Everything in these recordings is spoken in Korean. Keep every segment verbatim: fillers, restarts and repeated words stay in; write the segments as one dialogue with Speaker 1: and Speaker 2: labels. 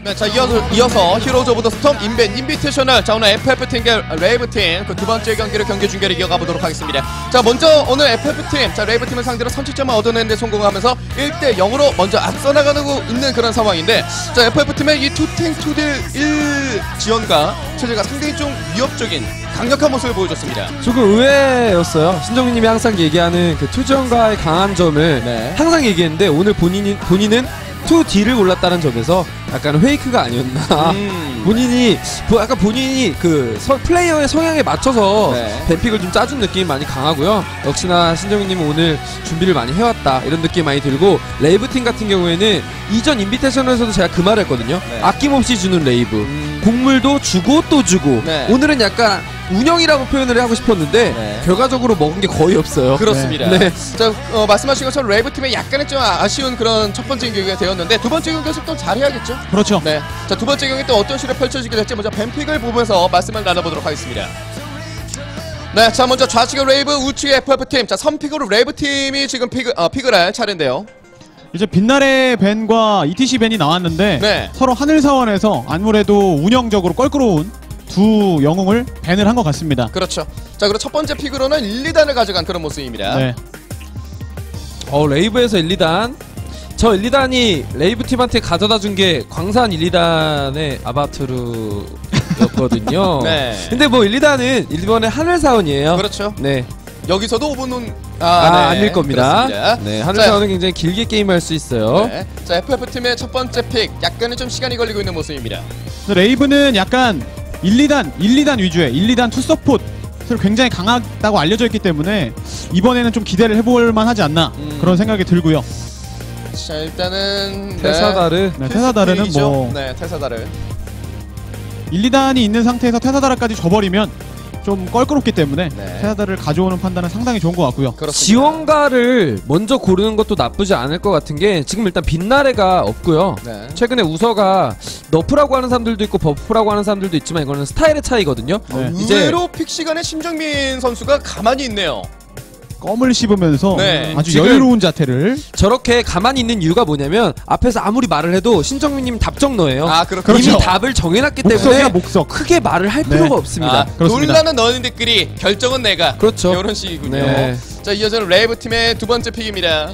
Speaker 1: 네, 자 이어서, 이어서 히로즈 오브 더 스톰 인벤 인비테이셔널. 자 오늘 에프에프팀과 레이브팀 그 두 번째 경기를 경기 중계를 이어가보도록 하겠습니다. 자 먼저 오늘 에프에프팀, 자 레이브팀을 상대로 선취점을 얻어내는 데 성공하면서 일 대 영으로 먼저 앞서 나가고 있는 그런 상황인데, 자 에프에프팀의 이 투탱 투딜 일 지원과 체제가 상당히 좀 위협적인 강력한 모습을 보여줬습니다.
Speaker 2: 조금 의외였어요. 신정민님이 항상 얘기하는 그 투지원과의 강한 점을
Speaker 1: 네.
Speaker 2: 항상 얘기했는데 오늘 본인이, 본인은 투 D를 골랐다는 점에서 약간 페이크가 아니었나.
Speaker 1: 음.
Speaker 2: 본인이 약간 본인이 그 서, 플레이어의 성향에 맞춰서
Speaker 1: 네.
Speaker 2: 뱀픽을 좀 짜준 느낌이 많이 강하고요. 역시나 신정민님은 오늘 준비를 많이 해왔다 이런 느낌이 많이 들고, 레이브팀 같은 경우에는 이전 인비테이션에서도 제가 그 말을 했거든요.
Speaker 1: 네.
Speaker 2: 아낌없이 주는 레이브.
Speaker 1: 음.
Speaker 2: 곡물도 주고 또 주고.
Speaker 1: 네.
Speaker 2: 오늘은 약간 운영이라고 표현을 하고 싶었는데
Speaker 1: 네.
Speaker 2: 결과적으로 먹은 게 거의 없어요.
Speaker 1: 그렇습니다.
Speaker 2: 네.
Speaker 1: 자 어, 말씀하신 것처럼 레이브팀의 약간의 좀 아쉬운 그런 첫 번째 경기가 되었는데, 두 번째 경기에서 또 잘해야겠죠?
Speaker 3: 그렇죠.
Speaker 1: 네. 자 두 번째 경기 또 어떤 식으로 펼쳐지게 될지 먼저 뱀픽을 보면서 말씀을 나눠보도록 하겠습니다. 네, 자 먼저 좌측의 레이브, 우측의 에프에프팀. 자 선픽으로 레이브팀이 지금 픽을, 어, 픽을 할 차례인데요.
Speaker 3: 이제 빛날의 벤과 이티씨 벤이 나왔는데
Speaker 1: 네.
Speaker 3: 서로 하늘 사원에서 아무래도 운영적으로 껄끄러운 두 영웅을 벤을 한 것 같습니다.
Speaker 1: 그렇죠. 자 그리고 첫 번째 픽으로는 일, 이 단을 가져간 그런 모습입니다.
Speaker 3: 네.
Speaker 2: 어 레이브에서 일, 이 단. 저 일, 이 단이 레이브 팀한테 가져다 준 게 광산 일, 이 단의 아바투르였거든요.
Speaker 1: 네.
Speaker 2: 근데 뭐 일, 이 단은 일본의 하늘사원이에요.
Speaker 1: 그렇죠.
Speaker 2: 네.
Speaker 1: 여기서도 오 분은 아,
Speaker 2: 아,
Speaker 1: 네.
Speaker 2: 아닐 겁니다.
Speaker 1: 그렇습니다.
Speaker 2: 네, 하늘사원은 굉장히 길게 게임할 수 있어요.
Speaker 1: 네. 자 에프에프팀의 첫 번째 픽, 약간은 좀 시간이 걸리고 있는 모습입니다.
Speaker 3: 레이브는 약간 일, 이 단, 일, 이 단 위주의 일, 이 단 투 서폿을 굉장히 강하다고 알려져 있기 때문에 이번에는 좀 기대를 해볼 만하지 않나
Speaker 1: 음.
Speaker 3: 그런 생각이 들고요.
Speaker 1: 자 일단은
Speaker 2: 테사다르.
Speaker 3: 네, 테사다르는 뭐
Speaker 1: 네 테사다르
Speaker 3: 일, 이 단이 있는 상태에서 테사다르까지 져버리면 좀 껄끄럽기 때문에
Speaker 1: 네.
Speaker 3: 테사다르를 가져오는 판단은 상당히 좋은 것 같고요.
Speaker 1: 그렇습니다.
Speaker 2: 지원가를 먼저 고르는 것도 나쁘지 않을 것 같은 게, 지금 일단 빛나래가 없고요.
Speaker 1: 네.
Speaker 2: 최근에 우서가 너프라고 하는 사람들도 있고 버프라고 하는 사람들도 있지만 이거는 스타일의 차이거든요.
Speaker 3: 네.
Speaker 2: 이제
Speaker 1: 의외로 픽 시간에 심정민 선수가 가만히 있네요.
Speaker 3: 껌을 씹으면서
Speaker 1: 네.
Speaker 3: 아주
Speaker 2: 지금
Speaker 3: 여유로운 자태를.
Speaker 2: 저렇게 가만히 있는 이유가 뭐냐면, 앞에서 아무리 말을 해도 신정민님 답정너예요.
Speaker 1: 아 그렇군요.
Speaker 2: 이미 답을 정해놨기 때문에
Speaker 3: 목석이야 목석.
Speaker 2: 크게 말을 할
Speaker 3: 네.
Speaker 2: 필요가 없습니다.
Speaker 1: 아,
Speaker 3: 그렇습니다.
Speaker 1: 논란은 너희들끼리, 결정은 내가.
Speaker 2: 그렇죠.
Speaker 1: 이런 식이군요.
Speaker 2: 네.
Speaker 1: 자 이어서는 레이브 팀의 두 번째 픽입니다.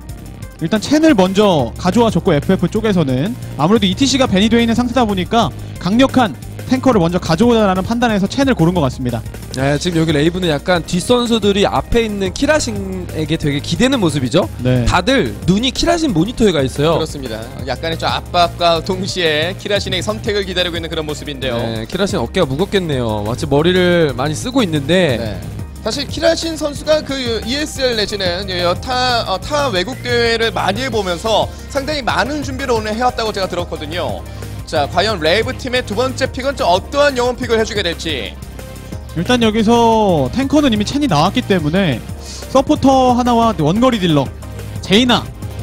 Speaker 3: 일단 첸을 먼저 가져와 줬고, 에프에프 쪽에서는 아무래도 이티씨가 벤이 되어 있는 상태다 보니까 강력한 탱커를 먼저 가져오자라는 판단에서 첸을 고른 것 같습니다.
Speaker 2: 네, 지금 여기 레이브는 약간 뒷선수들이 앞에 있는 키라신에게 되게 기대는 모습이죠.
Speaker 3: 네.
Speaker 2: 다들 눈이 키라신 모니터에 가 있어요.
Speaker 1: 그렇습니다. 약간의 좀 압박과 동시에 키라신의 선택을 기다리고 있는 그런 모습인데요.
Speaker 2: 네, 키라신 어깨가 무겁겠네요. 마치 머리를 많이 쓰고 있는데
Speaker 1: 네. 사실 키라신 선수가 그 이에스엘 내지는 타, 어, 타 외국 대회를 많이 해보면서 상당히 많은 준비를 오늘 해왔다고 제가 들었거든요. 자 과연 레이브 팀의 두 번째 픽은 좀 어떠한 영웅 픽을 해주게 될지.
Speaker 3: 일단 여기서 탱커는 이미 첸이 나왔기 때문에 서포터 하나와 원거리 딜러 제이나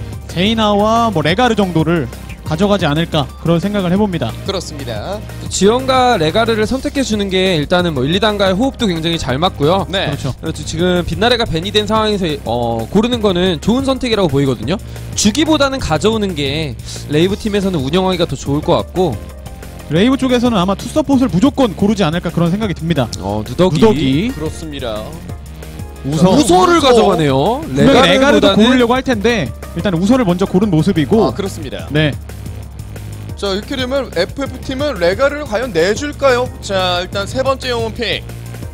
Speaker 3: 제이나와 뭐 레가르 정도를 가져가지 않을까 그런 생각을 해봅니다.
Speaker 1: 그렇습니다.
Speaker 2: 지원과 레가르를 선택해주는 게 일단은 뭐 일, 이 단과의 호흡도 굉장히 잘 맞고요.
Speaker 1: 네.
Speaker 3: 그렇죠.
Speaker 2: 그렇죠. 지금 빛나래가 벤이 된 상황에서 어, 고르는 거는 좋은 선택이라고 보이거든요. 주기보다는 가져오는 게 레이브 팀에서는 운영하기가 더 좋을 것 같고,
Speaker 3: 레이브 쪽에서는 아마 투 서폿을 무조건 고르지 않을까 그런 생각이 듭니다.
Speaker 2: 어, 누더기,
Speaker 3: 누더기,
Speaker 1: 그렇습니다.
Speaker 3: 우서,
Speaker 2: 우서를
Speaker 1: 우서.
Speaker 2: 가져가네요.
Speaker 3: 분명히 레가르도
Speaker 2: 레가르보다는-
Speaker 3: 고르려고 할 텐데 일단 우서를 먼저 고른 모습이고.
Speaker 1: 아 그렇습니다.
Speaker 3: 네.
Speaker 1: 자 이렇게 되면 에프에프팀은 레가를 과연 내줄까요? 자 일단 세 번째 영웅 픽.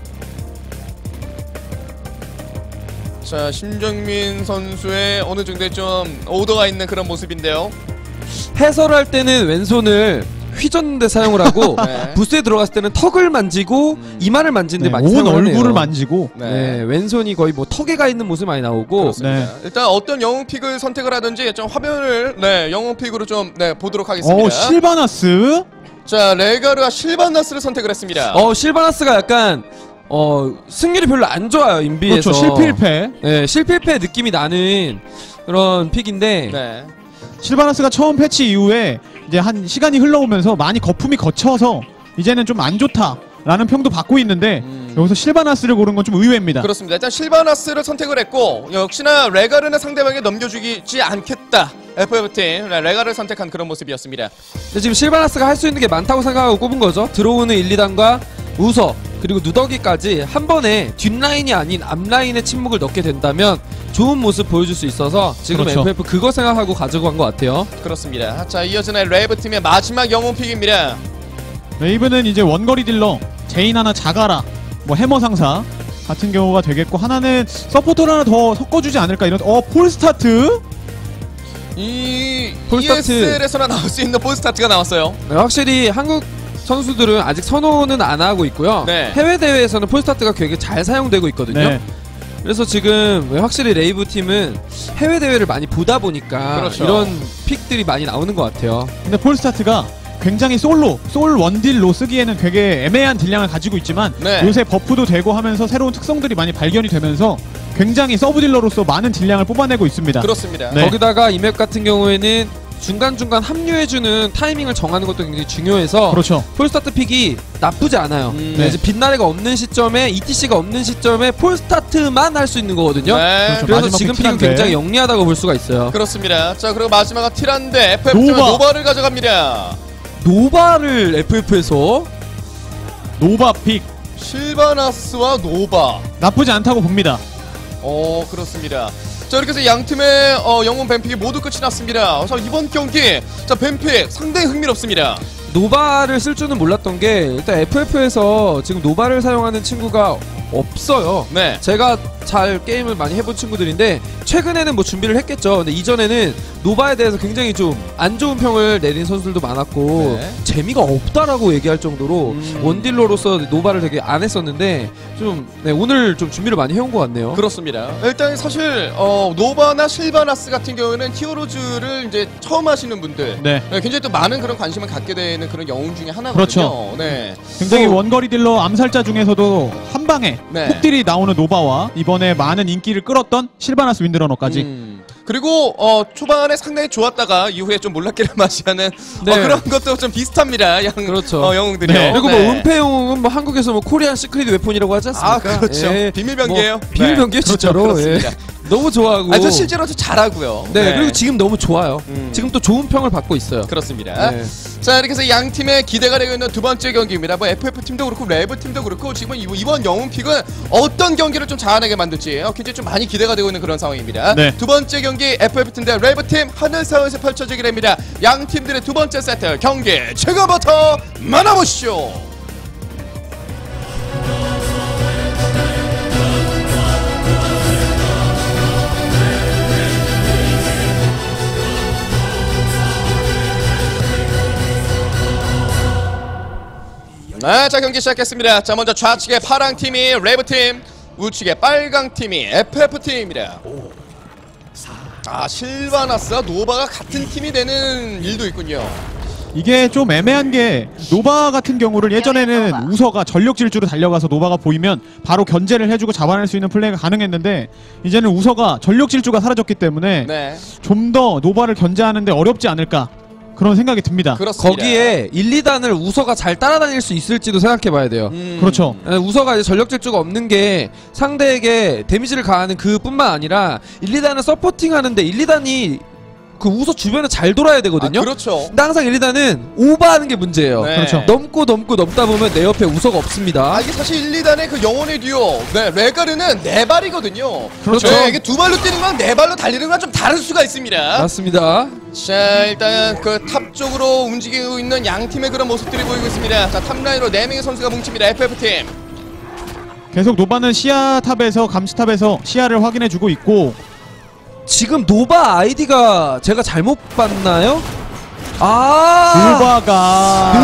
Speaker 1: 자 심정민 선수의 어느 정도의 좀 오더가 있는 그런 모습인데요.
Speaker 2: 해설을 할 때는 왼손을 휘젓는데 사용을 하고
Speaker 1: 네.
Speaker 2: 부스에 들어갔을 때는 턱을 만지고
Speaker 1: 음.
Speaker 2: 이마를 만지는데
Speaker 3: 네,
Speaker 2: 많이
Speaker 3: 온
Speaker 2: 사용을 하네요.
Speaker 3: 얼굴을 만지고.
Speaker 1: 네.
Speaker 2: 네, 왼손이 거의 뭐 턱에 가 있는 모습이 많이 나오고.
Speaker 1: 그렇습니다.
Speaker 3: 네.
Speaker 1: 일단 어떤 영웅 픽을 선택을 하든지 좀 화면을 네 영웅 픽으로 좀 네 보도록 하겠습니다.
Speaker 3: 어 실바나스.
Speaker 1: 자 레가르와 실바나스를 선택을 했습니다.
Speaker 2: 어 실바나스가 약간 어 승률이 별로 안 좋아요, 인비에서.
Speaker 3: 그렇죠. 실필패.
Speaker 2: 네, 실패패 느낌이 나는 그런 픽인데.
Speaker 1: 네.
Speaker 3: 실바나스가 처음 패치 이후에 이제 한 시간이 흘러오면서 많이 거품이 거쳐서 이제는 좀 안 좋다라는 평도 받고 있는데
Speaker 1: 음.
Speaker 3: 여기서 실바나스를 고른 건 좀 의외입니다.
Speaker 1: 그렇습니다. 일단 실바나스를 선택을 했고 역시나 레가르는 상대방에 넘겨주지 않겠다 에프에프팀 레가를 선택한 그런 모습이었습니다.
Speaker 2: 근데 지금 실바나스가 할 수 있는 게 많다고 생각하고 꼽은 거죠. 들어오는 일, 이 단과 우서 그리고 누더기까지 한 번에 뒷라인이 아닌 앞라인에 침묵을 넣게 된다면 좋은 모습 보여줄 수 있어서 지금
Speaker 3: 그렇죠.
Speaker 2: 에프에프 그거 생각하고 가지고 간 것 같아요.
Speaker 1: 그렇습니다. 자, 이어지는 레이브팀의 마지막 영웅 픽입니다.
Speaker 3: 레이브는 이제 원거리 딜러 제이나나 자가라 뭐 해머 상사 같은 경우가 되겠고, 하나는 서포터를 하나 더 섞어주지 않을까 이런. 어 폴스타트
Speaker 1: 이
Speaker 2: 폴스타트.
Speaker 1: 이에스엘에서나 나올 수 있는 폴스타트가 나왔어요.
Speaker 2: 네, 확실히 한국 선수들은 아직 선호는 안 하고 있고요.
Speaker 1: 네.
Speaker 2: 해외 대회에서는 폴스타트가 되게 잘 사용되고 있거든요.
Speaker 3: 네.
Speaker 2: 그래서 지금 확실히 레이브 팀은 해외 대회를 많이 보다 보니까
Speaker 1: 그렇죠.
Speaker 2: 이런 픽들이 많이 나오는 것 같아요.
Speaker 3: 근데 폴스타트가 굉장히 솔로 솔 원딜로 쓰기에는 되게 애매한 딜량을 가지고 있지만
Speaker 1: 네.
Speaker 3: 요새 버프도 되고 하면서 새로운 특성들이 많이 발견이 되면서 굉장히 서브 딜러로서 많은 딜량을 뽑아내고 있습니다.
Speaker 1: 그렇습니다.
Speaker 3: 네.
Speaker 2: 거기다가 이 맵 같은 경우에는 중간중간 합류해주는 타이밍을 정하는 것도 굉장히 중요해서
Speaker 3: 그렇죠.
Speaker 2: 폴스타트 픽이 나쁘지 않아요.
Speaker 1: 음.
Speaker 2: 네, 이제 빛나래가 없는 시점에 이티씨가 없는 시점에 폴스타트만 할 수 있는 거거든요.
Speaker 1: 네.
Speaker 3: 그렇죠.
Speaker 2: 그래서
Speaker 3: 마지막
Speaker 2: 지금
Speaker 3: 픽
Speaker 2: 픽은
Speaker 3: 티란데.
Speaker 2: 굉장히 영리하다고 볼 수가 있어요.
Speaker 1: 그렇습니다. 자, 그리고 마지막은 티란데 에프에프팀은
Speaker 3: 노바.
Speaker 1: 노바를 가져갑니다.
Speaker 2: 노바를 에프에프에서
Speaker 3: 노바 픽
Speaker 1: 실바나스와 노바.
Speaker 3: 나쁘지 않다고 봅니다.
Speaker 1: 어, 그렇습니다. 자, 이렇게 해서 양 팀의 어, 영웅 뱀픽이 모두 끝이 났습니다. 자, 이번 경기 자 뱀픽 상당히 흥미롭습니다.
Speaker 2: 노바를 쓸 줄은 몰랐던 게 일단 에프에프에서 지금 노바를 사용하는 친구가 없어요.
Speaker 1: 네.
Speaker 2: 제가 잘 게임을 많이 해본 친구들인데 최근에는 뭐 준비를 했겠죠. 근데 이전에는 노바에 대해서 굉장히 좀 안 좋은 평을 내린 선수들도 많았고
Speaker 1: 네.
Speaker 2: 재미가 없다라고 얘기할 정도로
Speaker 1: 음.
Speaker 2: 원딜러로서 노바를 되게 안 했었는데 좀 네, 오늘 좀 준비를 많이 해온 것 같네요.
Speaker 1: 그렇습니다. 일단 사실 어, 노바나 실바나스 같은 경우에는 히어로즈를 이제 처음 하시는 분들
Speaker 3: 네.
Speaker 1: 네, 굉장히 또 많은 그런 관심을 갖게 되는 그런 영웅 중에 하나거든요.
Speaker 3: 그렇죠.
Speaker 1: 네.
Speaker 3: 굉장히
Speaker 1: 또-
Speaker 3: 원거리 딜러 암살자 중에서도 한 방에
Speaker 1: 네.
Speaker 3: 폭딜이 나오는 노바와 이번에 많은 인기를 끌었던 실바나스 윈드러너까지.
Speaker 1: 음. 그리고 어, 초반에 상당히 좋았다가 이후에 좀 몰락기를 맞이하는
Speaker 2: 네.
Speaker 1: 어, 그런 것도 좀 비슷합니다. 양,
Speaker 2: 그렇죠.
Speaker 1: 어, 영웅들이요.
Speaker 3: 네.
Speaker 2: 그리고
Speaker 1: 네.
Speaker 2: 뭐 은폐 영웅은 뭐 한국에서 뭐 코리안 시크릿 웨폰이라고 하지 않습니까?
Speaker 1: 아, 그렇죠.
Speaker 2: 예.
Speaker 1: 비밀병기예요.
Speaker 2: 뭐 비밀병기예요,
Speaker 1: 네.
Speaker 2: 진짜로.
Speaker 1: 그렇죠.
Speaker 2: 예.
Speaker 1: 그렇습니다.
Speaker 2: 너무 좋아하고.
Speaker 1: 아, 저 실제로도 잘하고요.
Speaker 2: 네, 그리고 지금 너무 좋아요.
Speaker 1: 음.
Speaker 2: 지금 또 좋은 평을 받고 있어요.
Speaker 1: 그렇습니다.
Speaker 2: 네.
Speaker 1: 자, 이렇게 해서 양 팀의 기대가 되고 있는 두 번째 경기입니다. 뭐 에프에프팀도 그렇고 레이브팀도 그렇고 지금 이번, 이번 영웅 픽은 어떤 경기를 좀 잘하게 만들지 어, 굉장히 좀 많이 기대가 되고 있는 그런 상황입니다.
Speaker 3: 네.
Speaker 1: 두 번째 경기 에프에프팀 대 레이브팀 하늘사원에서 펼쳐지게 됩니다. 양 팀들의 두 번째 세트 경기 지금부터 만나보시죠. 네, 자 경기 시작했습니다. 자 먼저 좌측의 파랑 팀이 레이브 팀, 우측의 빨강 팀이 에프에프 팀입니다. 아 실바나스와 노바가 같은 팀이 되는 일도 있군요.
Speaker 3: 이게 좀 애매한 게 노바 같은 경우를 예전에는 우서가 전력 질주로 달려가서 노바가 보이면 바로 견제를 해주고 잡아낼 수 있는 플레이가 가능했는데 이제는 우서가 전력 질주가 사라졌기 때문에
Speaker 1: 네,
Speaker 3: 좀 더 노바를 견제하는데 어렵지 않을까 그런 생각이 듭니다.
Speaker 1: 그렇습니다.
Speaker 2: 거기에 일, 이 단을 우서가 잘 따라다닐 수 있을지도 생각해봐야 돼요.
Speaker 1: 음,
Speaker 3: 그렇죠.
Speaker 2: 에, 우서가 이제 전력 질주가 없는 게 상대에게 데미지를 가하는 그 뿐만 아니라 일, 이 단을 서포팅하는데 일, 이 단이 그 우서 주변에 잘 돌아야 되거든요.
Speaker 1: 아, 그렇죠.
Speaker 2: 근데 항상 일, 이 단은 오버하는 게 문제예요.
Speaker 1: 네.
Speaker 3: 그렇죠.
Speaker 2: 넘고 넘고 넘다 보면 내 옆에 우서가 없습니다.
Speaker 1: 아 이게 사실 일, 이 단의 그 영혼의 듀오 네, 레가르는 네 발이거든요.
Speaker 3: 그렇죠.
Speaker 1: 네, 이게 두 발로 뛰는 건 네 발로 달리는 건 좀 다를 수가 있습니다.
Speaker 2: 맞습니다.
Speaker 1: 자 일단 그 탑 쪽으로 움직이고 있는 양 팀의 그런 모습들이 보이고 있습니다. 자 탑라인으로 네 명의 선수가 뭉칩니다. 에프에프 팀.
Speaker 3: 계속 노바는 시야 탑에서 감시 탑에서 시야를 확인해주고 있고
Speaker 2: 지금 노바 아이디가 제가 잘못 봤나요? 아
Speaker 3: 노바가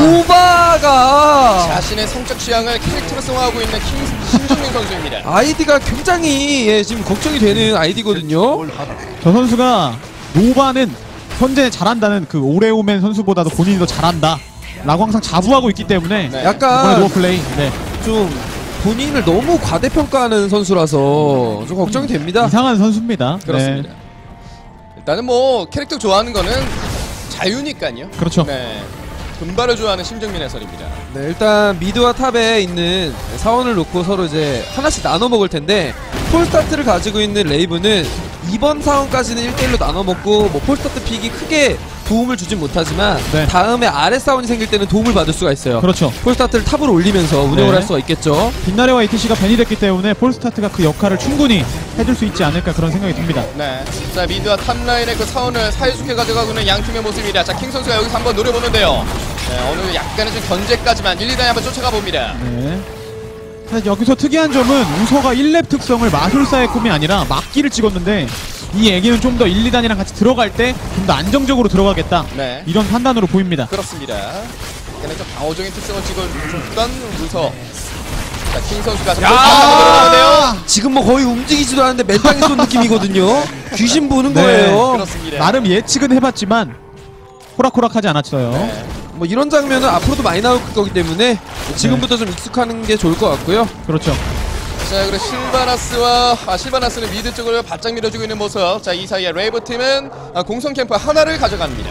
Speaker 2: 노바가
Speaker 1: 자신의 성적 취향을 캐릭터로 성화하고 있는 킹, 신정민 선수입니다.
Speaker 2: 아이디가 굉장히 예, 지금 걱정이 되는 아이디거든요.
Speaker 3: 저 선수가 노바는 현재 잘한다는 그 오레오맨 선수보다도 본인이 더 잘한다 라고 항상 자부하고 있기 때문에
Speaker 1: 네.
Speaker 3: 이번에
Speaker 2: 약간
Speaker 3: 노바 플레이 네.
Speaker 2: 좀 본인을 너무 과대평가하는 선수라서 좀 걱정이 됩니다.
Speaker 3: 이상한 선수입니다.
Speaker 1: 그렇습니다.
Speaker 3: 네.
Speaker 1: 일단은 뭐 캐릭터 좋아하는 거는 자유니까요.
Speaker 3: 그렇죠.
Speaker 1: 네. 금발을 좋아하는 신정민 해설입니다.
Speaker 2: 네, 일단 미드와 탑에 있는 사원을 놓고 서로 이제 하나씩 나눠 먹을 텐데 폴스타트를 가지고 있는 레이브는 이번 상황까지는 일 대 일로 나눠먹고 뭐 폴스타트 픽이 크게 도움을 주진 못하지만
Speaker 3: 네.
Speaker 2: 다음에 아래 싸움이 생길 때는 도움을 받을 수가 있어요.
Speaker 3: 그렇죠.
Speaker 2: 폴스타트를 탑으로 올리면서 운영을
Speaker 3: 네.
Speaker 2: 할 수가 있겠죠.
Speaker 3: 빛나래와 이티씨가 벤이 됐기 때문에 폴스타트가 그 역할을 충분히 해줄 수 있지 않을까 그런 생각이 듭니다.
Speaker 1: 네. 자, 미드와 탑라인의 그 사원을 사이좋게 가져가고 있는 양 팀의 모습입니다. 자, 킹 선수가 여기서 한번 노려보는데요. 네, 어느 약간의 좀 견제까지만 일, 이 단에 한번 쫓아가 봅니다.
Speaker 3: 네. 사실 여기서 특이한 점은 우서가 일 렙 특성을 마술사의 꿈이 아니라 막기를 찍었는데 이 애기는 좀 더 일, 이 단이랑 같이 들어갈 때 좀 더 안정적으로 들어가겠다.
Speaker 1: 네.
Speaker 3: 이런 판단으로 보입니다.
Speaker 1: 그렇습니다. 약간의 좀 방어적인 특성을 찍어줬던 우서. 자, 킹 선수가 좀
Speaker 2: 야! 지금 뭐 거의 움직이지도 않는데 맨땅에 쏜 느낌이거든요. 귀신 보는
Speaker 3: 네,
Speaker 2: 거예요.
Speaker 1: 그렇습니다.
Speaker 3: 나름 예측은 해봤지만 호락호락하지 않았어요.
Speaker 1: 네.
Speaker 2: 뭐 이런 장면은 앞으로도 많이 나올 거기 때문에 지금부터 좀 익숙하는 게 좋을 것 같고요.
Speaker 3: 그렇죠.
Speaker 1: 자, 그리고 실바나스와 아, 실바나스는 미드 쪽을 바짝 밀어주고 있는 모습. 자, 이 사이에 레이브 팀은 아, 공성 캠프 하나를 가져갑니다.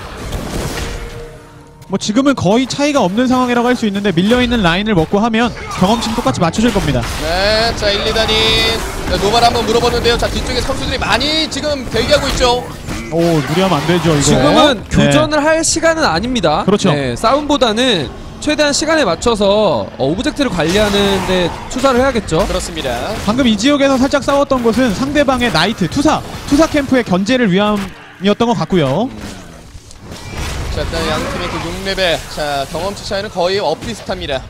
Speaker 3: 뭐 지금은 거의 차이가 없는 상황이라고 할 수 있는데 밀려있는 라인을 먹고 하면 경험치는 똑같이 맞춰질 겁니다.
Speaker 1: 네, 자, 일, 이 단이 노발 한번 물어보는데요. 자, 뒤쪽에 선수들이 많이 지금 대기하고 있죠.
Speaker 3: 오, 무리하면 안 되죠 이거.
Speaker 2: 지금은
Speaker 3: 네.
Speaker 2: 교전을 할 시간은 아닙니다.
Speaker 3: 그렇죠.
Speaker 2: 네, 싸움보다는 최대한 시간에 맞춰서 어, 오브젝트를 관리하는 데 투자를 해야겠죠.
Speaker 1: 그렇습니다.
Speaker 3: 방금 이 지역에서 살짝 싸웠던 것은 상대방의 나이트, 투사, 투사 캠프의 견제를 위함이었던 것 같고요.
Speaker 1: 자, 일단 양 팀의 그 육 레벨. 자, 경험치 차이는 거의 엇비슷합니다.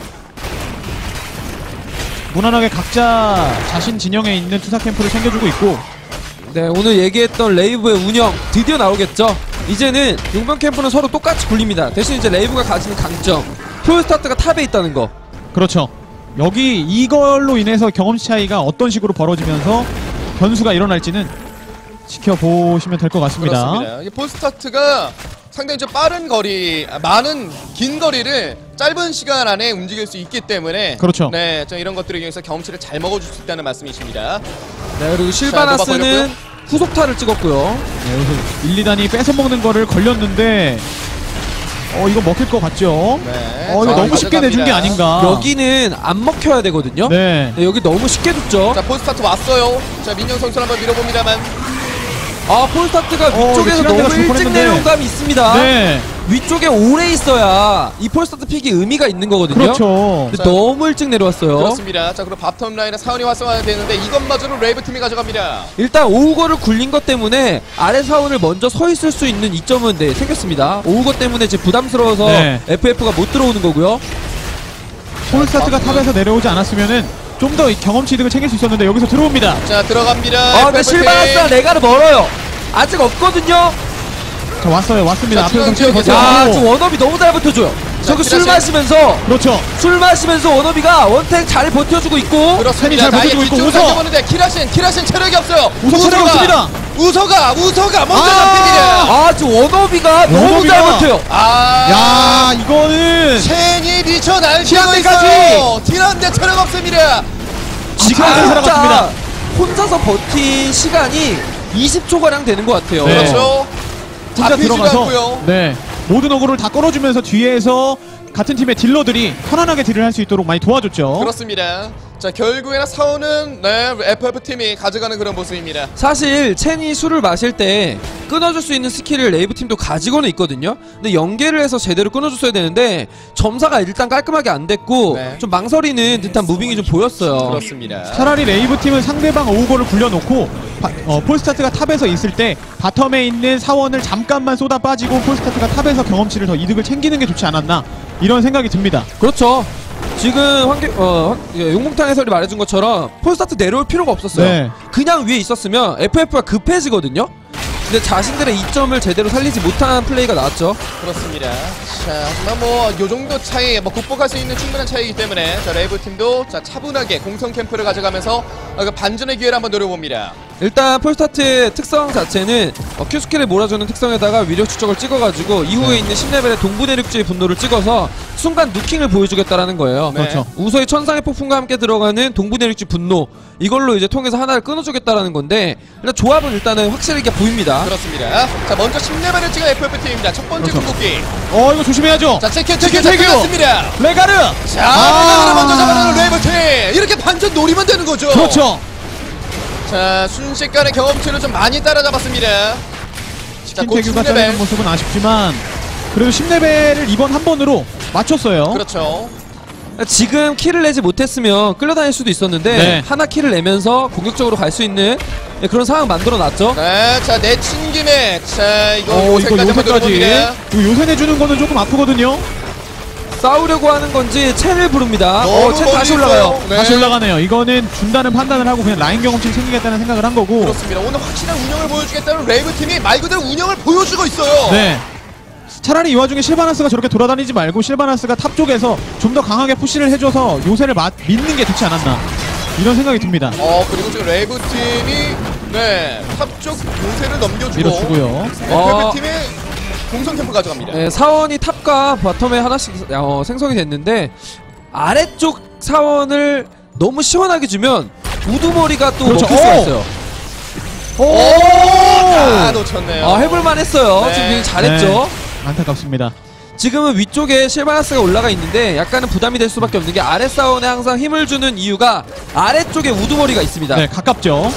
Speaker 3: 무난하게 각자 자신 진영에 있는 투사 캠프를 챙겨주고 있고.
Speaker 2: 네, 오늘 얘기했던 레이브의 운영 드디어 나오겠죠. 이제는 용병 캠프는 서로 똑같이 굴립니다. 대신 이제 레이브가 가지는 강점, 폴스타트가 탑에 있다는 거.
Speaker 3: 그렇죠. 여기 이걸로 인해서 경험치 차이가 어떤 식으로 벌어지면서 변수가 일어날지는 지켜보시면 될 것 같습니다.
Speaker 1: 그렇습니다. 이게 폴스타트가 상당히 좀 빠른 거리, 아, 많은 긴 거리를 짧은 시간 안에 움직일 수 있기 때문에
Speaker 3: 그렇죠.
Speaker 1: 네, 좀 이런 것들을 이용해서 경험치를 잘 먹어줄 수 있다는 말씀이십니다.
Speaker 2: 네, 그리고 실바나스는 후속타를 찍었고요.
Speaker 3: 네, 여기서 일, 이 단이 뺏어먹는 거를 걸렸는데 어 이거 먹힐 것 같죠?
Speaker 1: 네,
Speaker 3: 어 이거
Speaker 1: 자,
Speaker 3: 너무 쉽게 내준 게
Speaker 1: 가져갑니다.
Speaker 3: 아닌가.
Speaker 2: 여기는 안 먹혀야 되거든요.
Speaker 3: 네.
Speaker 2: 네, 여기 너무 쉽게 줬죠.
Speaker 1: 자, 폴스타트 왔어요. 자, 민영 선수 한번 밀어봅니다만.
Speaker 2: 아, 폴스타트가
Speaker 3: 어,
Speaker 2: 위쪽에서
Speaker 3: 이거
Speaker 2: 너무
Speaker 3: 줄
Speaker 2: 일찍
Speaker 3: 뻔했는데.
Speaker 2: 내려온 감이 있습니다.
Speaker 3: 네.
Speaker 2: 위쪽에 오래 있어야 이 폴스타트 픽이 의미가 있는 거거든요.
Speaker 3: 그렇죠.
Speaker 2: 근데
Speaker 1: 자,
Speaker 2: 너무 일찍 내려왔어요.
Speaker 1: 그렇습니다. 자, 그리고 바텀 라인에 사원이 활성화해야 되는데 이것마저는 레이브 팀이 가져갑니다.
Speaker 2: 일단 오우거를 굴린 것 때문에 아래 사원을 먼저 서 있을 수 있는 이점은 네, 생겼습니다. 오우거 때문에 이제 부담스러워서
Speaker 3: 네.
Speaker 2: 에프에프가 못 들어오는 거고요.
Speaker 3: 폴스타트가 탑에서 내려오지 않았으면은 좀 더 경험치 이득을 챙길 수 있었는데 여기서 들어옵니다.
Speaker 1: 자, 들어갑니다.
Speaker 2: 아, 근데
Speaker 1: 에프에프 팀.
Speaker 2: 실바나스와 레가르 멀어요. 아직 없거든요.
Speaker 3: 자 왔어요. 왔습니다.
Speaker 1: 자,
Speaker 3: 앞에서
Speaker 1: 중앙
Speaker 3: 치고
Speaker 1: 지역에서.
Speaker 2: 아,
Speaker 3: 오.
Speaker 2: 지금 원업이 너무 잘 버텨줘요. 저거 술
Speaker 1: 키라시.
Speaker 2: 마시면서
Speaker 3: 그렇죠.
Speaker 2: 술 마시면서 원업이가 원탱 잘 버텨주고 있고.
Speaker 1: 그렇습니다.
Speaker 3: 잘
Speaker 1: 자, 아예
Speaker 3: 버티고 있고
Speaker 1: 뒤쪽으로
Speaker 3: 우서.
Speaker 1: 당겨보는데 키라신, 키라신 체력이 없어요.
Speaker 3: 우서 체력이 없습니다.
Speaker 1: 우서가, 우서가 먼저
Speaker 3: 아.
Speaker 1: 잡힙니다.
Speaker 2: 아, 지금 원업이가 너무 잘
Speaker 3: 원업이가.
Speaker 2: 버텨요.
Speaker 1: 아,
Speaker 3: 야 이거는
Speaker 1: 첸이 미쳐 날뛰고
Speaker 3: 티란데까지.
Speaker 1: 있어요. 티란데 체력 없습니다.
Speaker 2: 지금
Speaker 3: 아,
Speaker 2: 진짜
Speaker 3: 살아갔습니다.
Speaker 2: 혼자서 버틴 시간이 이십 초가량 되는 것 같아요.
Speaker 3: 네.
Speaker 1: 그렇죠.
Speaker 3: 혼자
Speaker 1: 잡히지도
Speaker 3: 들어가서
Speaker 1: 않고요.
Speaker 3: 네 모든 어그를 다 끌어주면서 뒤에서 같은 팀의 딜러들이 편안하게 딜을 할 수 있도록 많이 도와줬죠.
Speaker 1: 그렇습니다. 자, 결국에는 사원은 네, 에프에프 팀이 가져가는 그런 모습입니다.
Speaker 2: 사실 첸이 술을 마실 때 끊어줄 수 있는 스킬을 레이브 팀도 가지고는 있거든요. 근데 연계를 해서 제대로 끊어줬어야 되는데 점사가 일단 깔끔하게 안 됐고
Speaker 1: 네.
Speaker 2: 좀 망설이는 듯한 무빙이 좀 보였어요.
Speaker 1: 그렇습니다.
Speaker 3: 차라리 레이브 팀은 상대방 오우거를 굴려놓고 바, 어, 폴스타트가 탑에서 있을 때 바텀에 있는 사원을 잠깐만 쏟아 빠지고 폴스타트가 탑에서 경험치를 더 이득을 챙기는 게 좋지 않았나 이런 생각이 듭니다.
Speaker 2: 그렇죠. 지금 환기, 어, 예, 용봉탕 해설이 말해준 것처럼 폴스타트 내려올 필요가 없었어요.
Speaker 3: 네.
Speaker 2: 그냥 위에 있었으면 에프에프가 급해지거든요. 근데 자신들의 이점을 제대로 살리지 못한 플레이가 나왔죠.
Speaker 1: 그렇습니다. 자, 하지만 뭐 요 정도 차이, 뭐 극복할 수 있는 충분한 차이이기 때문에 자, 레이브 팀도 자 차분하게 공성 캠프를 가져가면서 어, 그 반전의 기회를 한번 노려봅니다.
Speaker 2: 일단 폴스타트의 특성 자체는 어, Q스킬을 몰아주는 특성에다가 위력 추적을 찍어가지고 이후에
Speaker 3: 네.
Speaker 2: 있는 십 레벨의 동부내륙지의 분노를 찍어서 순간 누킹을 보여주겠다라는 거예요.
Speaker 1: 네.
Speaker 3: 그렇죠.
Speaker 2: 우서의 천상의 폭풍과 함께 들어가는 동부내륙지 분노 이걸로 이제 통해서 하나를 끊어주겠다라는 건데 일단 조합은 일단은 확실하게 보입니다.
Speaker 1: 그렇습니다. 자, 먼저 십 레벨을 찍은 에프에프 팀입니다. 첫 번째
Speaker 3: 그렇죠.
Speaker 1: 궁극기.
Speaker 3: 어 이거 조심해야죠.
Speaker 1: 자, 체크
Speaker 3: 체크,
Speaker 1: 체크
Speaker 3: 체크.
Speaker 1: 체크였습니다.
Speaker 3: 레가르.
Speaker 1: 자,
Speaker 3: 아.
Speaker 1: 레가르를 먼저 잡아내는 레이브 팀. 이렇게 반전 노리면 되는 거죠.
Speaker 3: 그렇죠.
Speaker 1: 자, 순식간에 경험치를 좀 많이 따라잡았습니다. 자,
Speaker 3: 치킨
Speaker 1: 곧
Speaker 3: 태규가
Speaker 1: 십 레벨.
Speaker 3: 짜리는 모습은 아쉽지만 그래도 십 레벨을 이번 한 번으로 맞췄어요.
Speaker 1: 그렇죠.
Speaker 2: 지금 킬을 내지 못했으면 끌려다닐 수도 있었는데
Speaker 3: 네.
Speaker 2: 하나 킬을 내면서 공격적으로 갈 수 있는 네, 그런 상황 만들어놨죠.
Speaker 1: 네, 자, 내친 김에 자, 이거
Speaker 3: 어, 이거
Speaker 1: 요새까지 한번
Speaker 3: 요새까지.
Speaker 1: 들어봅니다.
Speaker 3: 이거 요새 내주는 거는 조금 아프거든요.
Speaker 2: 싸우려고 하는 건지 첸을 부릅니다.
Speaker 1: 너무
Speaker 2: 어, 첸
Speaker 1: 멀리
Speaker 2: 다시
Speaker 1: 있어요.
Speaker 2: 올라가요.
Speaker 1: 네.
Speaker 3: 다시 올라가네요. 이거는 준다는 판단을 하고 그냥 라인 경험치 챙기겠다는 생각을 한 거고.
Speaker 1: 그렇습니다. 오늘 확실한 운영을 보여주겠다는 레이브 팀이 말 그대로 운영을 보여주고 있어요.
Speaker 3: 네. 차라리 이 와중에 실바나스가 저렇게 돌아다니지 말고 실바나스가 탑 쪽에서 좀 더 강하게 푸시를 해줘서 요새를 마, 믿는 게 좋지 않았나 이런 생각이 듭니다.
Speaker 1: 어, 그리고 지금 레이브 팀이 네, 탑쪽 요새를 넘겨주고
Speaker 3: 밀어주고요.
Speaker 2: 어.
Speaker 1: 에프에프 팀이 공성 캠프 가져갑니다.
Speaker 2: 네, 사원이 탑과 바텀에 하나씩 어, 생성이 됐는데 아래쪽 사원을 너무 시원하게 주면 우두머리가 또
Speaker 3: 그렇죠.
Speaker 2: 먹힐 수가
Speaker 3: 오!
Speaker 2: 있어요.
Speaker 1: 오! 다 놓쳤네요.
Speaker 2: 아, 해볼만 했어요.
Speaker 1: 네.
Speaker 2: 지금 굉장히 잘했죠.
Speaker 3: 안타깝습니다.
Speaker 2: 지금은 위쪽에 실바나스가 올라가 있는데 약간은 부담이 될 수밖에 없는 게 아래 사원에 항상 힘을 주는 이유가 아래쪽에 우두머리가 있습니다.
Speaker 3: 네, 가깝죠.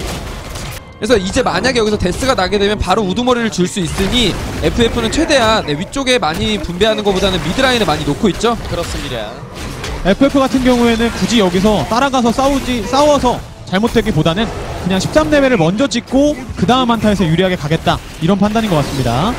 Speaker 2: 그래서 이제 만약에 여기서 데스가 나게 되면 바로 우두머리를 줄 수 있으니 에프에프는 최대한 네, 위쪽에 많이 분배하는 것보다는 미드라인에 많이 놓고 있죠.
Speaker 1: 그렇습니다.
Speaker 3: 에프에프 같은 경우에는 굳이 여기서 따라가서 싸우지 싸워서 잘못되기보다는 그냥 십삼 레벨을 먼저 찍고 그 다음 한타에서 유리하게 가겠다 이런 판단인 것 같습니다.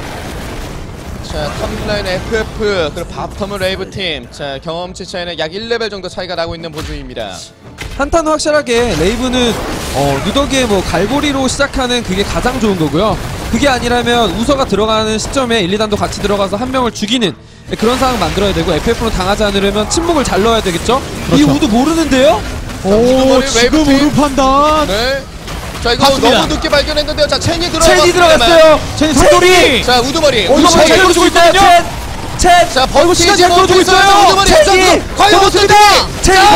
Speaker 1: 자, 탑라인 에프에프 그리고 바텀은 레이브 팀. 자, 경험치 차이는 약 일 레벨 정도 차이가 나고 있는 보조입니다.
Speaker 2: 한타는 확실하게 레이브는 어, 누더기의 뭐 갈고리로 시작하는 그게 가장 좋은 거고요. 그게 아니라면 우서가 들어가는 시점에 일, 이 단도 같이 들어가서 한 명을 죽이는 그런 상황 만들어야 되고 에프에프는 당하지 않으려면 침묵을 잘 넣어야 되겠죠. 이
Speaker 3: 그렇죠.
Speaker 2: 우드 모르는데요?
Speaker 3: 오,
Speaker 1: 우두머리
Speaker 3: 지금
Speaker 1: 웨이브 팀.
Speaker 3: 우루 판단.
Speaker 1: 네. 자, 이거
Speaker 3: 맞습니다.
Speaker 1: 너무 늦게 발견했는데요. 자, 첸이 들어갔어요.
Speaker 2: 첸이 들어갔어요.
Speaker 3: 첸 삼돌이.
Speaker 1: 자, 우두머리.
Speaker 3: 어, 이거
Speaker 1: 우두머리.
Speaker 3: 잘 끌어주고 있거든요.
Speaker 2: 첸!
Speaker 1: 자,
Speaker 3: 어, 이거 시간 잘
Speaker 1: 버티지
Speaker 3: 끌어주고
Speaker 1: 못했어요.
Speaker 3: 있어요.
Speaker 1: 우두머리
Speaker 2: 첸이!
Speaker 1: 입장도 과연 어떻게
Speaker 2: 첸이
Speaker 1: 자,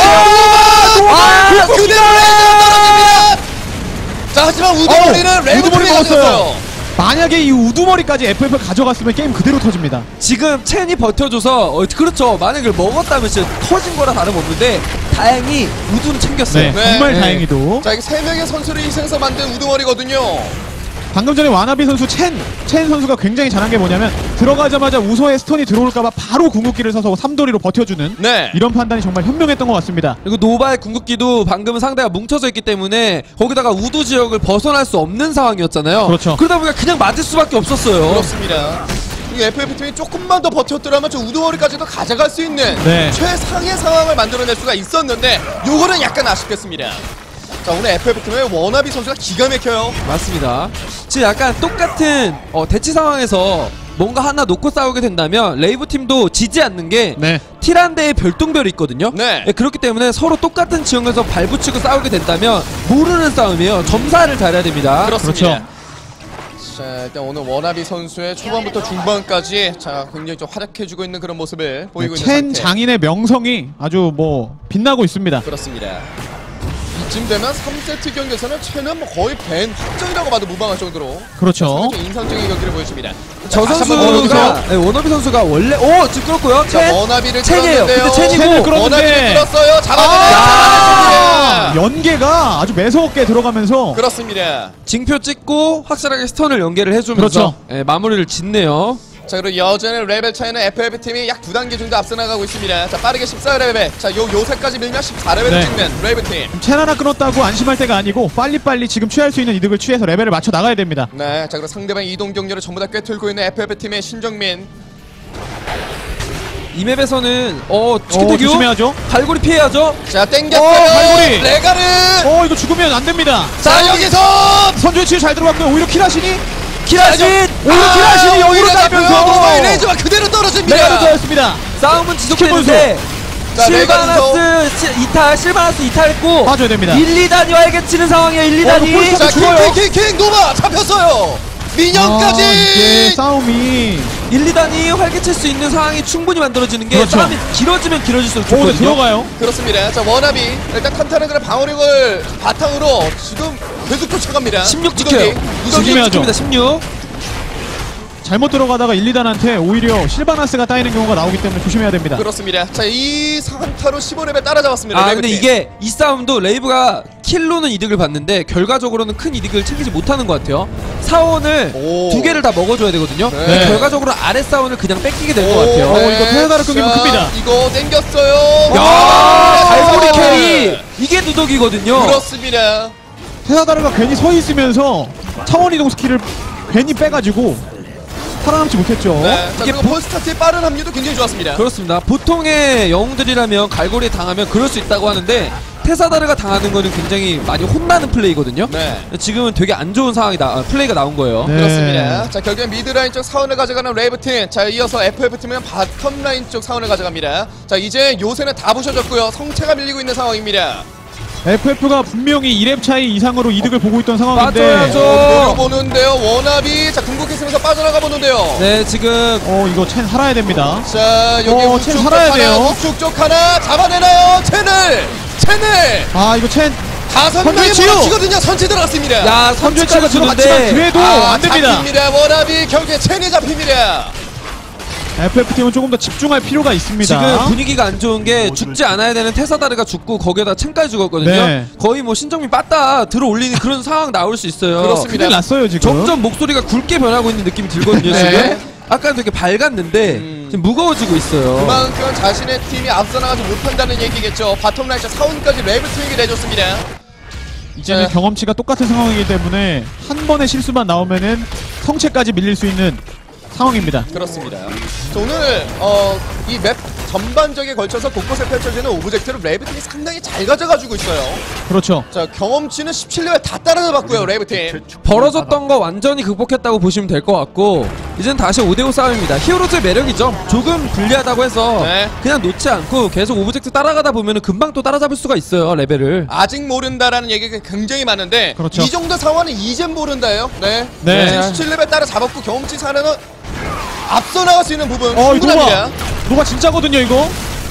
Speaker 2: 버텨주네요.
Speaker 1: 아,
Speaker 2: 아,
Speaker 1: 그대로 떨어집니다. 자, 하지만 우두머리는
Speaker 3: 어,
Speaker 1: 레이브
Speaker 3: 우두머리
Speaker 1: 팀이
Speaker 3: 먹었어요.
Speaker 1: 가져갔어요.
Speaker 3: 만약에 이 우두머리까지 에프에프 가져갔으면 게임 그대로 터집니다.
Speaker 2: 지금 첸이 버텨줘서 어, 그렇죠. 만약에 이걸 먹었다면 진짜 터진 거라 다름없는데 다행히 우두는 챙겼어요.
Speaker 3: 네,
Speaker 1: 네.
Speaker 3: 정말
Speaker 2: 네.
Speaker 3: 다행히도.
Speaker 1: 자, 이게 세 명의 선수를 희생해서 만든 우두머리거든요.
Speaker 3: 방금 전에 와나비 선수 첸, 첸 선수가 굉장히 잘한 게 뭐냐면 들어가자마자 우서의 스턴이 들어올까봐 바로 궁극기를 써서 삼돌이로 버텨주는
Speaker 1: 네.
Speaker 3: 이런 판단이 정말 현명했던 것 같습니다.
Speaker 2: 그리고 노바의 궁극기도 방금은 상대가 뭉쳐져 있기 때문에 거기다가 우두 지역을 벗어날 수 없는 상황이었잖아요.
Speaker 3: 그렇죠.
Speaker 2: 그러다 보니까 그냥 맞을 수밖에 없었어요.
Speaker 1: 그렇습니다. 이 에프에프 팀이 조금만 더 버텼더라면 저 우두머리까지도 가져갈 수 있는
Speaker 3: 네.
Speaker 1: 최상의 상황을 만들어낼 수가 있었는데 요거는 약간 아쉽겠습니다. 자, 오늘 에프에프 팀의 워나비 선수가 기가 막혀요.
Speaker 2: 맞습니다. 지금 약간 똑같은 어, 대치 상황에서 뭔가 하나 놓고 싸우게 된다면 레이브 팀도 지지 않는 게
Speaker 3: 네.
Speaker 2: 티란데의 별똥별이 있거든요.
Speaker 1: 네.
Speaker 2: 그렇기 때문에 서로 똑같은 지형에서 발붙이고 싸우게 된다면 모르는 싸움이에요. 점사를 잘해야 됩니다.
Speaker 1: 그렇습니다.
Speaker 3: 그렇죠.
Speaker 1: 자, 일단 오늘 워나비 선수의 초반부터 중반까지 자, 굉장히 좀 활약해주고 있는 그런 모습을 보이고 있는
Speaker 3: 첸
Speaker 1: 상태.
Speaker 3: 장인의 명성이 아주 뭐 빛나고 있습니다.
Speaker 1: 그렇습니다. 이쯤 되면 삼 세트 경기에서는 첸은 뭐 거의 밴 확정이라고 봐도 무방할 정도로
Speaker 3: 그렇죠.
Speaker 1: 상당히 인상적인 경기를 보여줍니다.
Speaker 2: 저
Speaker 1: 자, 다시 한번
Speaker 2: 선수가
Speaker 1: 보여주세요.
Speaker 2: 네, 원어비 선수가 원래 오 지금 끌었고요.
Speaker 1: 자,
Speaker 2: 첸
Speaker 1: 워나비를
Speaker 2: 첸이에요.
Speaker 1: 끌었는데요.
Speaker 2: 근데 첸이고
Speaker 3: 첸을 끌었는데.
Speaker 1: 워나비를 끌었어요. 잡아내요.
Speaker 3: 아!
Speaker 1: 잡아냈습니다.
Speaker 3: 연계가 아주 매서웠게 들어가면서
Speaker 1: 그렇습니다.
Speaker 2: 징표 찍고 확실하게 스턴을 연계를 해주면서
Speaker 3: 그렇죠.
Speaker 2: 예, 마무리를 짓네요.
Speaker 1: 자, 그리고 여전히 레벨 차이는 에프에프 팀이 약 두 단계 정도 앞서 나가고 있습니다. 자, 빠르게 십사 레벨. 자, 요 요새까지 밀면 십사 레벨을
Speaker 3: 네.
Speaker 1: 찍는 레이브 팀.
Speaker 3: 첸 하나 끊었다고 안심할 때가 아니고 빨리빨리 지금 취할 수 있는 이득을 취해서 레벨을 맞춰 나가야 됩니다.
Speaker 1: 네, 자, 그리고 상대방 이동 경로를 전부 다 꿰뚫고 있는 에프에프 팀의 신정민.
Speaker 2: 이 맵에서는 어
Speaker 3: 어,
Speaker 2: 치킨태규
Speaker 3: 조심해야죠.
Speaker 2: 갈고리 피해야죠.
Speaker 1: 자, 땡겼어요.
Speaker 3: 어, 갈고리.
Speaker 1: 레가르.
Speaker 3: 어, 이거 죽으면 안 됩니다.
Speaker 1: 자, 여기서
Speaker 3: 선주의 치유 잘 들어갔고요. 오히려 키라신이
Speaker 2: 키라신
Speaker 3: 오히려 키라신이 영으로 달면서
Speaker 1: 노바의 레이저가 그대로 떨어집니다.
Speaker 3: 레가르 좋았습니다.
Speaker 2: 싸움은 지속되는데
Speaker 1: 자,
Speaker 2: 실바나스 시- 이탈 실바나스 이탈했고
Speaker 3: 봐줘야 됩니다.
Speaker 2: 일, 이 단위와에게 치는 상황이에요. 일, 이
Speaker 3: 어,
Speaker 2: 단위.
Speaker 3: 이거 폴스타
Speaker 1: 자,
Speaker 3: 죽어요.
Speaker 1: 킹킹킹 노바 잡혔어요. 민영까지.
Speaker 3: 아, 이게 싸움이
Speaker 2: 일, 이 단위 활개칠 수 있는 상황이 충분히 만들어지는 게
Speaker 3: 그렇죠.
Speaker 2: 싸움이 길어지면 길어질수록
Speaker 3: 오, 네,
Speaker 2: 좋거든요.
Speaker 3: 들어가요.
Speaker 1: 그렇습니다. 자, 워나비 일단 칸타는 그런 방어력을 바탕으로 지금 계속 쫓아갑니다.
Speaker 2: 십육 지켜요.
Speaker 1: 누더기,
Speaker 2: 십육
Speaker 1: 누더기.
Speaker 3: 지켜야죠.
Speaker 2: 지킵니다. 십육.
Speaker 3: 잘못 들어가다가 일, 이 단한테 오히려 실바나스가 따이는 경우가 나오기 때문에 조심해야 됩니다.
Speaker 1: 그렇습니다. 자, 이 상타로 십오 레벨 따라잡았습니다.
Speaker 2: 아
Speaker 1: 레이브팀.
Speaker 2: 근데 이게 이 싸움도 레이브가 킬로는 이득을 봤는데 결과적으로는 큰 이득을 챙기지 못하는 것 같아요. 사원을
Speaker 1: 오.
Speaker 2: 두 개를 다 먹어줘야 되거든요.
Speaker 1: 네.
Speaker 2: 근데 결과적으로 아래 사원을 그냥 뺏기게 될 것 같아요.
Speaker 3: 어, 이거 테라다를 끊기면
Speaker 1: 자,
Speaker 3: 큽니다.
Speaker 1: 이거 땡겼어요.
Speaker 2: 야, 갈고리
Speaker 1: 아,
Speaker 2: 캐리 이게 누더기거든요.
Speaker 1: 그렇습니다.
Speaker 3: 테사다르가 괜히 서 있으면서 차원 이동 스킬을 괜히 빼가지고 살아남지 못했죠.
Speaker 1: 네. 자,
Speaker 2: 이게
Speaker 1: 그리고 폴스타트의 빠른 합류도 굉장히 좋았습니다.
Speaker 2: 그렇습니다. 보통의 영웅들이라면 갈고리에 당하면 그럴 수 있다고 하는데 테사다르가 당하는 거는 굉장히 많이 혼나는 플레이거든요.
Speaker 1: 네.
Speaker 2: 지금은 되게 안 좋은 상황이다. 아, 플레이가 나온 거예요.
Speaker 3: 네.
Speaker 1: 그렇습니다. 자, 결국엔 미드라인 쪽 사원을 가져가는 레이브팀. 자, 이어서 에프에프팀은 바텀라인 쪽 사원을 가져갑니다. 자, 이제 요새는 다 부셔졌고요. 성체가 밀리고 있는 상황입니다.
Speaker 3: 에프에프가 분명히 일 렙 차이 이상으로 이득을 보고 있던 상황인데
Speaker 2: 빠져야죠.
Speaker 1: 어, 보는데요. 워너비. 자, 궁극했으면서 빠져나가 보는데요.
Speaker 2: 네, 지금
Speaker 3: 어 이거 첸 살아야 됩니다.
Speaker 1: 자, 여기
Speaker 3: 어,
Speaker 1: 우측
Speaker 3: 첸
Speaker 1: 쪽
Speaker 3: 살아야
Speaker 1: 하나,
Speaker 3: 돼요.
Speaker 1: 우측 쪽 하나 잡아내나요? 첸을! 첸을!
Speaker 3: 아 이거 첸
Speaker 1: 다섯
Speaker 3: 선제
Speaker 1: 명이
Speaker 3: 치유!
Speaker 1: 몰아치거든요. 선치 들어갔습니다.
Speaker 2: 야
Speaker 3: 선제치가
Speaker 2: 선제치가
Speaker 3: 들어갔지만
Speaker 2: 주는데
Speaker 3: 그래도
Speaker 1: 아,
Speaker 3: 안 됩니다.
Speaker 1: 잡힙니다. 워너비 결국에 첸이 잡힙니다.
Speaker 3: 에프에프팀은 조금 더 집중할 필요가 있습니다.
Speaker 2: 지금 분위기가 안 좋은 게 죽지 않아야 되는 테사다르가 죽고 거기에다 첸까지 죽었거든요.
Speaker 3: 네.
Speaker 2: 거의 뭐 신정민 빠따 들어 올리는 그런 상황 나올 수 있어요.
Speaker 1: 그렇습니다.
Speaker 3: 큰일 났어요 지금.
Speaker 2: 점점 목소리가 굵게 변하고 있는 느낌이 들거든요.
Speaker 1: 네.
Speaker 2: 지금 아까는 되게 밝았는데
Speaker 1: 음.
Speaker 2: 지금 무거워지고 있어요.
Speaker 1: 그만큼 자신의 팀이 앞서 나가지 못한다는 얘기겠죠. 바텀라인 쪽 사원까지 레이브팀에게 내줬습니다.
Speaker 3: 이제는
Speaker 1: 네.
Speaker 3: 경험치가 똑같은 상황이기 때문에 한 번의 실수만 나오면은 성체까지 밀릴 수 있는 상황입니다.
Speaker 1: 그렇습니다. 자, 오늘 어, 이 맵 전반적에 걸쳐서 곳곳에 펼쳐지는 오브젝트를 레이브팀이 상당히 잘 가져가지고 있어요.
Speaker 3: 그렇죠.
Speaker 1: 자, 경험치는 십칠 레벨 다 따라잡았고요. 레이브팀.
Speaker 2: 벌어졌던 거 완전히 극복했다고 보시면 될 것 같고 이젠 다시 오 대 오 싸움입니다. 히어로즈의 매력이죠. 조금 불리하다고 해서
Speaker 1: 네.
Speaker 2: 그냥 놓지 않고 계속 오브젝트 따라가다 보면 금방 또 따라잡을 수가 있어요. 레벨을.
Speaker 1: 아직 모른다라는 얘기가 굉장히 많은데
Speaker 3: 그렇죠.
Speaker 1: 이 정도 상황은 이젠 모른다요. 네.
Speaker 3: 네.
Speaker 1: 지금 십칠 레벨 따라잡았고 경험치 사례는 앞서 나갈 수 있는 부분
Speaker 3: 어, 이
Speaker 1: 충분합니다.
Speaker 3: 노바. 노바 진짜거든요 이거.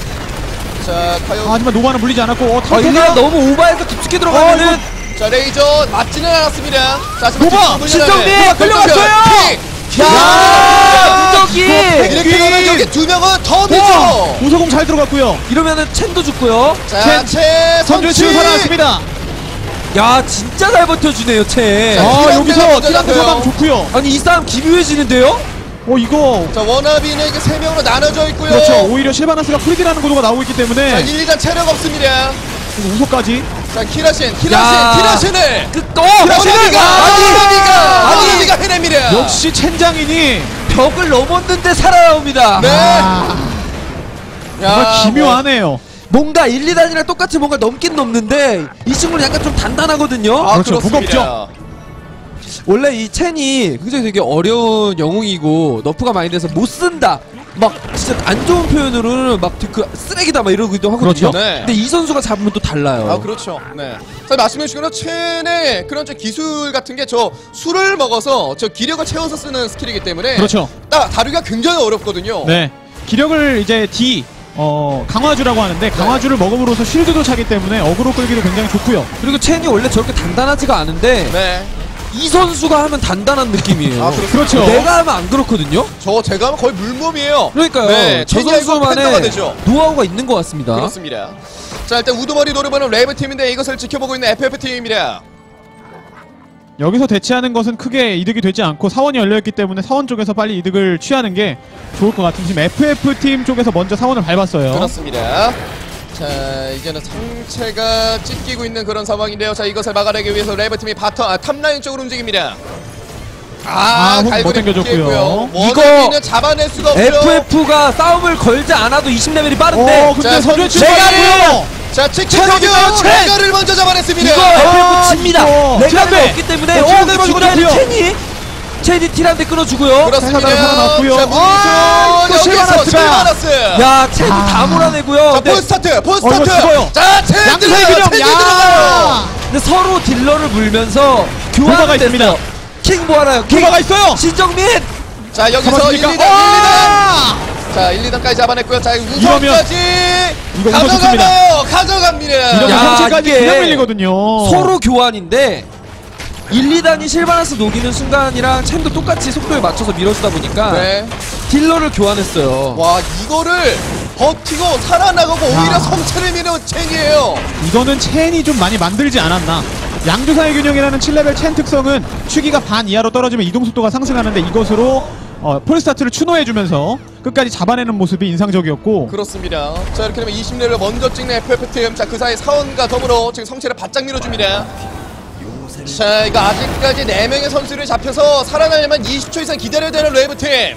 Speaker 1: 자, 과연
Speaker 3: 아, 하지만 노바는 물리지 않았고 어,
Speaker 2: 아,
Speaker 3: 탐터가
Speaker 2: 일리가 너무 오버해서 깊숙이 들어가면은
Speaker 1: 자, 레이저 맞지는 않았습니다. 자, 하지만
Speaker 3: 노바!
Speaker 1: 뒷부분이
Speaker 2: 신정민!
Speaker 1: 나네.
Speaker 2: 끌려갔어요!
Speaker 1: 킥!
Speaker 2: 야! 누더기!
Speaker 1: 이렇게 되면 여기 두 명은 더 밀죠.
Speaker 3: 우서공 잘 들어갔고요.
Speaker 2: 이러면은 첸도 죽고요.
Speaker 1: 자, 최
Speaker 3: 선제
Speaker 1: 선취
Speaker 3: 치유 살아났습니다.
Speaker 2: 야 진짜 잘 버텨주네요 첸.
Speaker 1: 자,
Speaker 3: 아
Speaker 1: 티란테가
Speaker 3: 여기서
Speaker 1: 먼저
Speaker 3: 티란테
Speaker 1: 잡혀요.
Speaker 3: 사방 좋고요.
Speaker 2: 아니 이 싸움 기묘해지는데요?
Speaker 3: 어 이거
Speaker 1: 자, 워너비는 이게 세 명으로 나눠져 있고요.
Speaker 3: 그렇죠. 오히려 실바나스가 프리디라는 구도가 나오고 있기
Speaker 1: 자,
Speaker 3: 때문에
Speaker 1: 일, 이 단 체력 없습니다.
Speaker 3: 그리고 우서까지
Speaker 1: 자, 키라신,
Speaker 2: 야.
Speaker 1: 키라신, 키라신을
Speaker 2: 끝. 어!
Speaker 1: 워너비가,
Speaker 2: 아니!
Speaker 1: 워너비가,
Speaker 2: 아니!
Speaker 1: 워너비가 해냅니다.
Speaker 3: 역시 첸장인이
Speaker 2: 벽을 넘었는데 살아나옵니다.
Speaker 1: 네.
Speaker 3: 아, 정말
Speaker 1: 야,
Speaker 3: 기묘하네요.
Speaker 2: 뭔가 일, 이 단이랑 똑같이 뭔가 넘긴 넘는데 이 친구는 약간 좀 단단하거든요.
Speaker 1: 뭐, 아,
Speaker 3: 그렇죠.
Speaker 1: 그렇습니다.
Speaker 3: 무겁죠.
Speaker 2: 원래 이 첸이 굉장히 되게 어려운 영웅이고 너프가 많이 돼서 못 쓴다. 막 진짜 안 좋은 표현으로는 막 그 쓰레기다 막 이러기도 하거든요.
Speaker 3: 그렇죠.
Speaker 1: 네.
Speaker 2: 근데 이 선수가 잡으면 또 달라요.
Speaker 1: 아, 그렇죠. 네. 자, 말씀해 주신 것처럼 첸의 그런 좀 기술 같은 게 저 술을 먹어서 저 기력을 채워서 쓰는 스킬이기 때문에
Speaker 3: 그렇죠.
Speaker 1: 딱 다루기가 굉장히 어렵거든요.
Speaker 3: 네. 기력을 이제 D 어 강화주라고 하는데 강화주를 먹음으로써 쉴드도 차기 때문에 어그로 끌기도 굉장히 좋고요.
Speaker 2: 그리고 첸이 원래 저렇게 단단하지가 않은데
Speaker 1: 네.
Speaker 2: 이 선수가 하면 단단한 느낌이에요.
Speaker 1: 아, 그렇-
Speaker 3: 그렇죠.
Speaker 2: 내가 하면 안 그렇거든요.
Speaker 1: 저 제가 하면 거의 물몸이에요.
Speaker 2: 그러니까요.
Speaker 1: 네,
Speaker 2: 저
Speaker 1: 첸이 아니고 팬더가
Speaker 2: 선수만의
Speaker 1: 되죠.
Speaker 2: 노하우가 있는 것 같습니다.
Speaker 1: 그렇습니다. 자, 일단 우두머리 노려보는 레이브팀인데 이것을 지켜보고 있는 에프에프팀입니다.
Speaker 3: 여기서 대치하는 것은 크게 이득이 되지 않고 사원이 열려있기 때문에 사원 쪽에서 빨리 이득을 취하는 게 좋을 것 같은 지금 에프에프팀 쪽에서 먼저 사원을 밟았어요.
Speaker 1: 그렇습니다. 자, 이제는 상체가 찢기고 있는 그런 상황인데요. 자, 이것을 막아내기 위해서 레이브팀이 바텀, 아, 탑라인 쪽으로 움직입니다. 아,
Speaker 3: 아, 못
Speaker 1: 갈고리
Speaker 3: 당겨줬고요.
Speaker 1: 묶였고요.
Speaker 2: 이거
Speaker 1: 워너비는 잡아낼 수가 없고요.
Speaker 2: 에프에프가 싸움을 걸지 않아도 이십 레벨이 빠른데
Speaker 3: 어, 근데
Speaker 1: 자,
Speaker 3: 선제
Speaker 1: 선제
Speaker 3: 치유하고요.
Speaker 1: 자, 치킨
Speaker 3: 체력이요,
Speaker 1: 선수
Speaker 3: 첸!
Speaker 1: 레가를 먼저 잡아냈습니다.
Speaker 2: 이거
Speaker 3: 아,
Speaker 2: 에프에프 집니다.
Speaker 3: 이거.
Speaker 2: 레가드가
Speaker 3: 티란데.
Speaker 2: 없기 때문에
Speaker 3: 어,
Speaker 2: 어,
Speaker 3: 티란데
Speaker 2: 그러고
Speaker 3: 끊어주고요.
Speaker 2: 나니 첸이 첸이 티란데 끊어주고요.
Speaker 1: 그렇습니다.
Speaker 3: 살아나고 살아났고요.
Speaker 1: 자,
Speaker 3: 아, 또
Speaker 1: 문수 여기서
Speaker 3: 실바나스가.
Speaker 1: 실바나스.
Speaker 2: 야 첸이
Speaker 3: 아.
Speaker 2: 다 몰아내고요.
Speaker 1: 자,
Speaker 2: 근데,
Speaker 1: 폴스타트,
Speaker 3: 어,
Speaker 1: 폴스타트.
Speaker 3: 이거 죽어요.
Speaker 1: 자, 첸
Speaker 3: 양세
Speaker 1: 들어가요.
Speaker 3: 균형.
Speaker 1: 첸이
Speaker 3: 야.
Speaker 1: 들어가요.
Speaker 2: 근데 서로 딜러를 물면서
Speaker 3: 노바가
Speaker 2: 교환을
Speaker 3: 있습니다.
Speaker 2: 됐어요. 킹 뭐하나요? 킹
Speaker 3: 노바가 있어요.
Speaker 2: 신정민.
Speaker 1: 자, 여기서
Speaker 3: 잡았습니까?
Speaker 1: 일, 이 단, 일, 이 단.
Speaker 3: 아!
Speaker 1: 자, 일, 이 단까지 잡아냈고요. 자,
Speaker 3: 이러면
Speaker 1: 우선까지
Speaker 3: 이거 우선
Speaker 1: 가져가나요? 가져갑니다.
Speaker 3: 이러면
Speaker 2: 야,
Speaker 3: 성체까지
Speaker 2: 이게
Speaker 3: 그냥 밀리거든요.
Speaker 2: 서로 교환인데 일, 이 단이 실바나스 녹이는 순간이랑 챔도 똑같이 속도에 맞춰서 밀어주다 보니까
Speaker 1: 네.
Speaker 2: 딜러를 교환했어요.
Speaker 1: 와 이거를 버티고 살아나가고 오히려
Speaker 3: 아.
Speaker 1: 성체를 미는 첸이에요.
Speaker 3: 이거는 첸이 좀 많이 만들지 않았나. 양조사의 균형이라는 칠 레벨 첸 특성은 추기가 반 이하로 떨어지면 이동 속도가 상승하는데 이것으로 어, 폴스타트를 추노해주면서 끝까지 잡아내는 모습이 인상적이었고.
Speaker 1: 그렇습니다. 자 이렇게 되면 이십 레벨 먼저 찍는 에프에프팀. 자 그 사이 사원과 더불어 지금 성체를 바짝 밀어줍니다. 자 이거 아직까지 네 명의 선수를 잡혀서 살아나려면 이십 초 이상 기다려야 되는 레이브팀.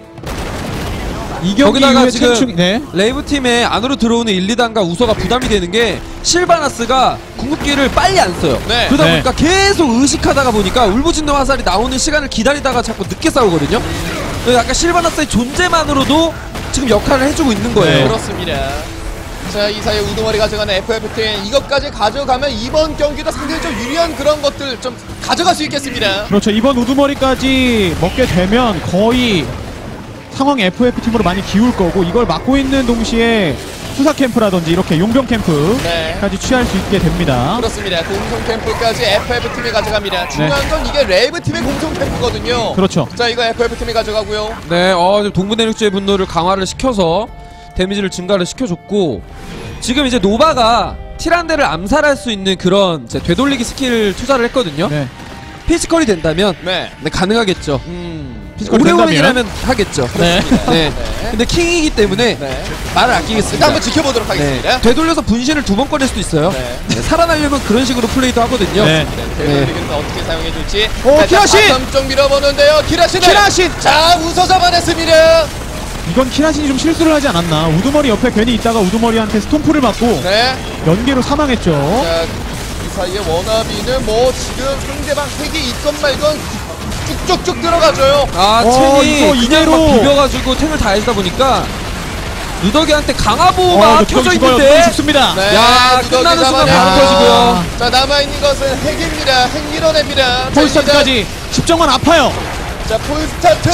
Speaker 3: 이 경기
Speaker 2: 거기다가
Speaker 3: 이후에
Speaker 2: 지금
Speaker 3: 첸 추기, 네.
Speaker 2: 레이브 팀에 안으로 들어오는 일, 이 단과 우서가 부담이 되는 게 실바나스가 궁극기를 빨리 안 써요.
Speaker 1: 네.
Speaker 2: 그러다
Speaker 3: 네.
Speaker 2: 보니까 계속 의식하다가 보니까 울부짖는 화살이 나오는 시간을 기다리다가 자꾸 늦게 싸우거든요. 그래서 약간 실바나스의 존재만으로도 지금 역할을 해주고 있는 거예요.
Speaker 3: 네.
Speaker 1: 그렇습니다. 자 이 사이에 우두머리 가져가는 에프에프팀. 이것까지 가져가면 이번 경기도 상당히 좀 유리한 그런 것들 좀 가져갈 수 있겠습니다.
Speaker 3: 그렇죠. 이번 우두머리까지 먹게 되면 거의 상황이 에프에프팀으로 많이 기울 거고, 이걸 막고 있는 동시에 수사 캠프라든지 이렇게 용병 캠프까지
Speaker 1: 네.
Speaker 3: 취할 수 있게 됩니다.
Speaker 1: 그렇습니다. 공성 캠프까지 에프에프팀이 가져갑니다. 중요한 건 이게 레이브팀의 공성 캠프거든요.
Speaker 3: 그렇죠.
Speaker 1: 자 이거 에프에프팀이 가져가고요.
Speaker 2: 네, 어, 지금 동부대륙주의 분노를 강화를 시켜서 데미지를 증가를 시켜줬고, 지금 이제 노바가 티란데를 암살할 수 있는 그런 이제 되돌리기 스킬 투자를 했거든요.
Speaker 3: 네.
Speaker 2: 피지컬이 된다면
Speaker 1: 네.
Speaker 2: 네, 가능하겠죠.
Speaker 1: 음.
Speaker 3: 피지컬이
Speaker 2: 오레오맨이라면 하겠죠.
Speaker 3: 네.
Speaker 2: 네. 근데 킹이기 때문에
Speaker 1: 네.
Speaker 2: 말을
Speaker 1: 일단
Speaker 2: 아끼겠습니다.
Speaker 1: 한번 지켜보도록 하겠습니다.
Speaker 2: 네. 되돌려서 분신을 두 번 꺼낼 수도 있어요.
Speaker 1: 네.
Speaker 2: 네, 살아나려면 그런 식으로 플레이도 하거든요.
Speaker 3: 네.
Speaker 1: 되돌리기는 어떻게 사용해줄지.
Speaker 3: 오,
Speaker 1: 자,
Speaker 3: 키라신!
Speaker 1: 바텀 쪽 밀어보는데요. 키라신을.
Speaker 3: 키라신!
Speaker 1: 자 웃어 잡아냈습니다.
Speaker 3: 이건 키라신이 좀 실수를 하지 않았나. 우두머리 옆에 괜히 있다가 우두머리한테 스톰프를 맞고
Speaker 1: 네.
Speaker 3: 연계로 사망했죠.
Speaker 1: 자, 이 사이에 워너비는 뭐 지금 상대방 핵이 있건 말건 쭉쭉쭉 들어가줘요.
Speaker 2: 아,
Speaker 3: 어,
Speaker 2: 첸이
Speaker 3: 이거
Speaker 2: 그냥
Speaker 3: 이대로.
Speaker 2: 막 비벼가지고 탱을 다 해주다 보니까 누더기한테
Speaker 3: 어,
Speaker 2: 강화보호가
Speaker 3: 누더기
Speaker 2: 켜져
Speaker 3: 죽어요.
Speaker 2: 있는데
Speaker 3: 누더기 죽습니다.
Speaker 1: 네.
Speaker 2: 야,
Speaker 1: 누더기
Speaker 2: 끝나는 순간
Speaker 1: 잡아내고.
Speaker 2: 바로 터지고요.
Speaker 1: 자 남아있는 것은 핵입니다. 핵 밀어냅니다. 자,
Speaker 3: 폴스타트까지 십정관 아파요.
Speaker 1: 자 폴스타트.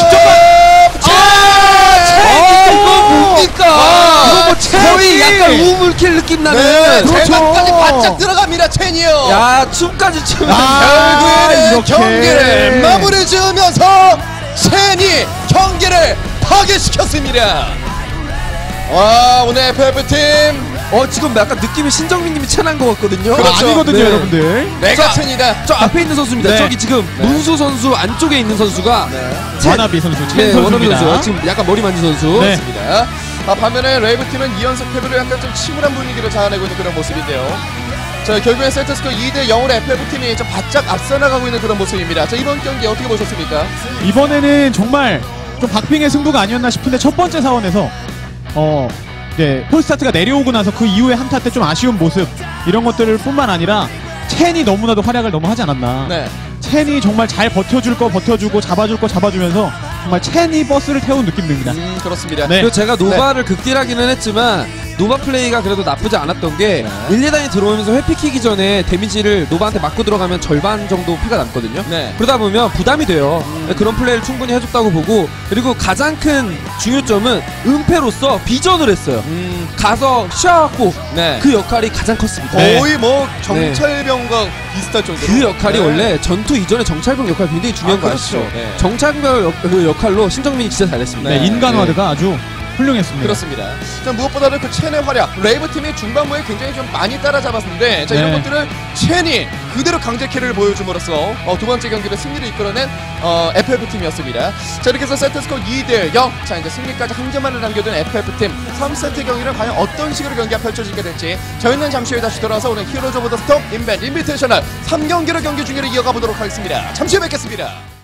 Speaker 2: 아, 이거 뭡니까?
Speaker 1: 아,
Speaker 2: 이거 뭐 거의
Speaker 3: 첸이!
Speaker 2: 약간 우물킬 느낌 나는.
Speaker 1: 네.
Speaker 3: 그렇죠.
Speaker 1: 대박까지 바짝 들어갑니다. 첸이요.
Speaker 2: 야, 춤까지 추면.
Speaker 3: 아,
Speaker 1: 결국에는
Speaker 3: 이렇게.
Speaker 1: 경기를 마무리 지으면서 첸이 경기를 파괴시켰습니다. 와 오늘 에프에프팀
Speaker 2: 어, 지금 약간 느낌이 신정민님이 채난 것 같거든요.
Speaker 1: 그렇죠.
Speaker 3: 아니거든요,
Speaker 2: 네.
Speaker 3: 여러분들.
Speaker 1: 내가 첸이다.
Speaker 2: 저 앞에 있는 선수입니다.
Speaker 3: 네.
Speaker 2: 저기 지금
Speaker 1: 네.
Speaker 2: 문수 선수 안쪽에 있는 선수가 첸.
Speaker 3: 와나비 선수, 첸
Speaker 2: 네, 원어비
Speaker 3: 선수입니다.
Speaker 2: 선수. 지금 약간 머리 만진 선수.
Speaker 3: 네.
Speaker 1: 맞습니다. 아, 반면에 레이브팀은 이 연속 패배로 약간 좀 침울한 분위기를 자아내고 있는 그런 모습인데요. 자 결국엔 세트스코어 이 대 영으로 에프에프팀이 좀 바짝 앞서 나가고 있는 그런 모습입니다. 자 이번 경기 어떻게 보셨습니까?
Speaker 3: 이번에는 정말 좀 박빙의 승부가 아니었나 싶은데, 첫 번째 사원에서 어 네, 폴스타트가 내려오고 나서 그 이후에 한타 때 좀 아쉬운 모습, 이런 것들을 뿐만 아니라 첸이 너무나도 활약을 너무 하지 않았나.
Speaker 1: 네.
Speaker 3: 첸이 정말 잘 버텨줄 거 버텨주고 잡아줄 거 잡아주면서 정말 첸이 버스를 태운 느낌 듭니다.
Speaker 1: 음 그렇습니다.
Speaker 3: 네.
Speaker 2: 그리고 제가 노바를 극딜하기는 했지만 노바 플레이가 그래도 나쁘지 않았던 게
Speaker 1: 네.
Speaker 2: 일, 이 단이 들어오면서 회피키기 전에 데미지를 노바한테 맞고 들어가면 절반 정도 피가 남거든요.
Speaker 1: 네.
Speaker 2: 그러다 보면 부담이 돼요. 그런 플레이를 충분히 해줬다고 보고, 그리고 가장 큰 중요점은 은폐로서 비전을 했어요.
Speaker 1: 음,
Speaker 2: 가서 쉬어갖고
Speaker 1: 네.
Speaker 2: 그 역할이 가장 컸습니다.
Speaker 3: 네.
Speaker 1: 거의 뭐 정찰병과 비슷할 정도로.
Speaker 2: 그 역할이
Speaker 1: 네.
Speaker 2: 원래 전투 이전에 정찰병 역할이 굉장히 중요한
Speaker 1: 아,
Speaker 2: 거
Speaker 1: 그렇죠.
Speaker 2: 아시죠?
Speaker 1: 네.
Speaker 2: 정찰병 역, 그 역할로 신정민이 진짜 잘했습니다.
Speaker 3: 네,
Speaker 1: 네.
Speaker 3: 인간화드가 아주 훌륭했습니다.
Speaker 1: 그렇습니다. 자, 무엇보다도 그 첸의 활약, 레이브 팀이 중반부에 굉장히 좀 많이 따라잡았는데, 자 이런
Speaker 3: 네.
Speaker 1: 것들을 첸이 그대로 강제 캐리를 보여줌으로써 어, 두 번째 경기를 승리를 이끌어낸 어, 에프에프팀이었습니다. 자 이렇게 해서 세트스코어 이 대 영. 자 이제 승리까지 한 점만을 남겨둔 에프에프팀 삼 세트 경기는 과연 어떤 식으로 경기가 펼쳐지게 될지 저희는 잠시 후에 다시 돌아와서 오늘 히어로즈 오브 더 스톰 인벤 인비테이셔널 삼 경기를 경기 중계를 이어가 보도록 하겠습니다. 잠시 후에 뵙겠습니다.